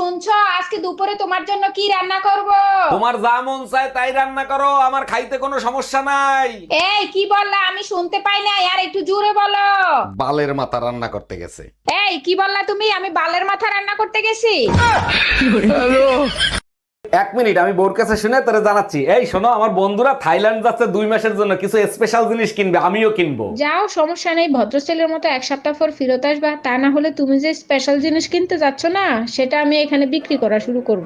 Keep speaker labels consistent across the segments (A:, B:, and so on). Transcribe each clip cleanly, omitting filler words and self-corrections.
A: শুনছো, আজকে দুপুরে তোমার জন্য কি রান্না করব?
B: তোমার যা মন চায় তাই রান্না করো, আমার খাইতে কোনো সমস্যা নাই।
A: এই কি বললা? আমি শুনতে পাই না, আর একটু জোরে বলো।
B: বালের মাথা রান্না করতে গেছে।
A: এই কি বললা তুমি? আমি বালের মাথা রান্না করতে গেছি?
B: 1 মিনিট, আমি বোর কাছে শুনে তোরে জানাচ্ছি। এই শোনো, আমার বন্ধুরা থাইল্যান্ড যাচ্ছে 2 মাসের জন্য, কিছু স্পেশাল জিনিস কিনবে, আমিও কিনবো।
A: যাও, সমস্যা নেই, ভদ্রছেলের মতো 1 সপ্তাহ পর ফেরত আসবা। তা না হলে তুমি যে স্পেশাল জিনিস কিনতে যাচ্ছ না, সেটা আমি এখানে বিক্রি করা শুরু করব।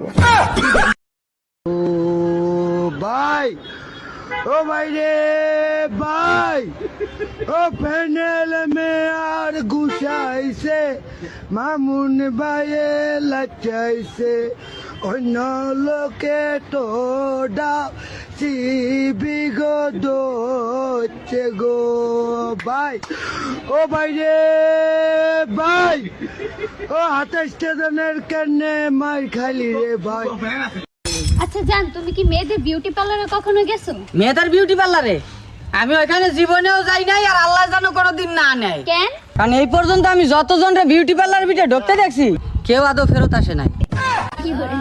C: ভাই, ও ভাই রে ভাই, ও প্যানেল মে আর ঘুষাইছে, মামুন ভাইয়ে লাচাইছে, অন্য লোকে তো বিগত গো ভাই, ও ভাই রে ভাই, ও 28 স্টেশনের কেনে মাই খালি রে ভাই।
D: আচ্ছা জান, তুমি কি মেয়েদের বিউটি পার্লারে কখনো গেছো?
E: মেয়েদের বিউটি পার্লারে আমি ওইখানে জীবনেও যাই নাই, আর আল্লাহ জানো কোনোদিন না নেয়।
D: কেন?
E: কারণ এই পর্যন্ত আমি যতজনরে বিউটি পার্লার ভিতরে ঢুকতে দেখছি, কেউ আদৌ ফেরত আসে নাই।
D: কি করে?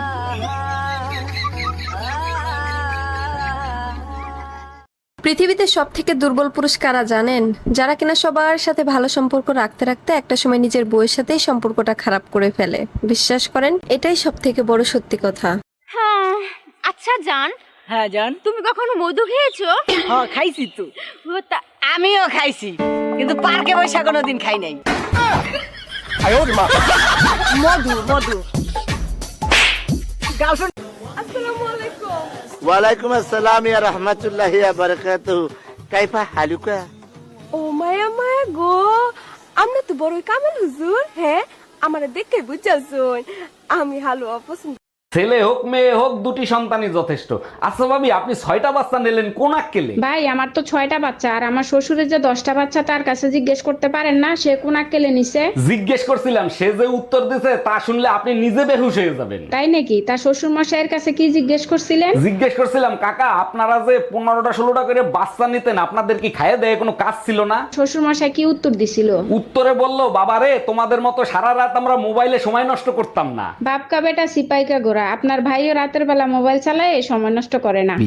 F: পৃথিবীতে সব থেকে দুর্বল পুরুষ কারা জানেন? যারা কিনা সবার সাথে ভালো সম্পর্ক রাখতে রাখতে একটা সময় নিজের বউয়ের সাথেই সম্পর্কটা খারাপ করে ফেলে। বিশ্বাস করেন, এটাই সব থেকে বড় সত্যি কথা।
D: হ্যাঁ। আচ্ছা জান,
E: হ্যাঁ জান,
D: তুমি কখনো মধু খেয়েছো?
E: হ্যাঁ খাইছি তো। আমিও খাইছি, কিন্তু পার্কে বসে কোনোদিন খাই নাই। মধু মধু গার্লফ্রেন্ড।
C: ওয়ালাইকুম আসসালাম ইয়া রাহমাতুল্লাহি ওয়া বারাকাতুহু, কাইফা হালুকা?
G: ও মায়া মায়া গো, আমরা তো বড়ই কামেল হুজুর। হ্যাঁ, আমার দেখে বুঝাছুন আমি হালুয়া পছন্দ।
B: ছেলে হোক মেয়ে হোক, 2টি সন্তানই যথেষ্ট। আচ্ছা ভাবি, আপনি 6টা বাচ্চা নিলেন, কোন আক্কেলে?
A: ভাই, আমার তো 6টা বাচ্চা, আর আমার শ্বশুরের যে 10টা বাচ্চা, তার কাছে জিজ্ঞেস করতে পারেন না সে কোন আক্কেলে নিছে?
B: জিজ্ঞেস করছিলাম, সে যে উত্তর দিছে তা শুনলে আপনি নিজে বেহুশ হয়ে যাবেন।
A: তাই নাকি? তার শ্বশুর মশাইয়ের কাছে কি জিজ্ঞেস করছিলেন?
B: জিজ্ঞেস করছিলাম, কাকা আপনারা যে 15টা 16টা করে বাচ্চা নিতেন, আপনাদের কি খাইয়ে দেয় কোনো কাজ ছিল না?
A: শ্বশুর মশাই কি উত্তর দিছিল?
B: উত্তরে বলল, বাবারে তোমাদের মতো সারা রাত আমরা মোবাইলে সময় নষ্ট করতাম না।
A: বাপকা বেটা সিপাইকা গোরা, আপনার ভাইও রাতের বেলা মোবাইল চালায়, সময় নষ্ট করে না।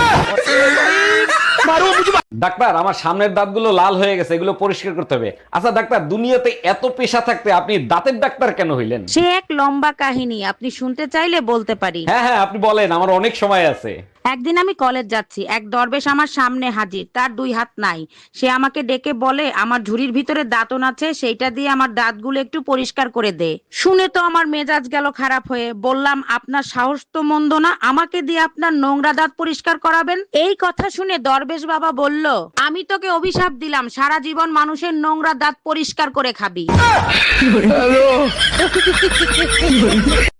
B: ডাক্তার, আমার সামনের দাঁতগুলো লাল হয়ে গেছে, এগুলো পরিষ্কার করতে হবে। আচ্ছা ডাক্তার, দুনিয়াতে এত পেশা থাকতে আপনি দাঁতের ডাক্তার কেন হইলেন?
H: সে এক লম্বা কাহিনী, আপনি শুনতে চাইলে বলতে পারি।
B: হ্যাঁ হ্যাঁ, আপনি বলেন, আমার অনেক সময় আছে।
H: একদিন আমি কলেজ যাচ্ছি, এক দরবেশ আমার সামনে হাজির, তার 2 হাত নাই। সে আমাকে ডেকে বলে আমার ঝুড়ির ভিতরে দাঁতন আছে, সেইটা দিয়ে আমার দাঁতগুলো একটু পরিষ্কার করে দে। শুনে তো আমার মেজাজ গেল খারাপ হয়ে। বললাম, আপনার সাহস তো মন্দ না, আমাকে দিয়ে আপনার নোংরা দাঁত পরিষ্কার করাবেন? এই কথা শুনে দরবেশ বাবা বলল, আমি তোকে অভিশাপ দিলাম, সারা জীবন মানুষের নোংরা দাঁত পরিষ্কার করে খাবি।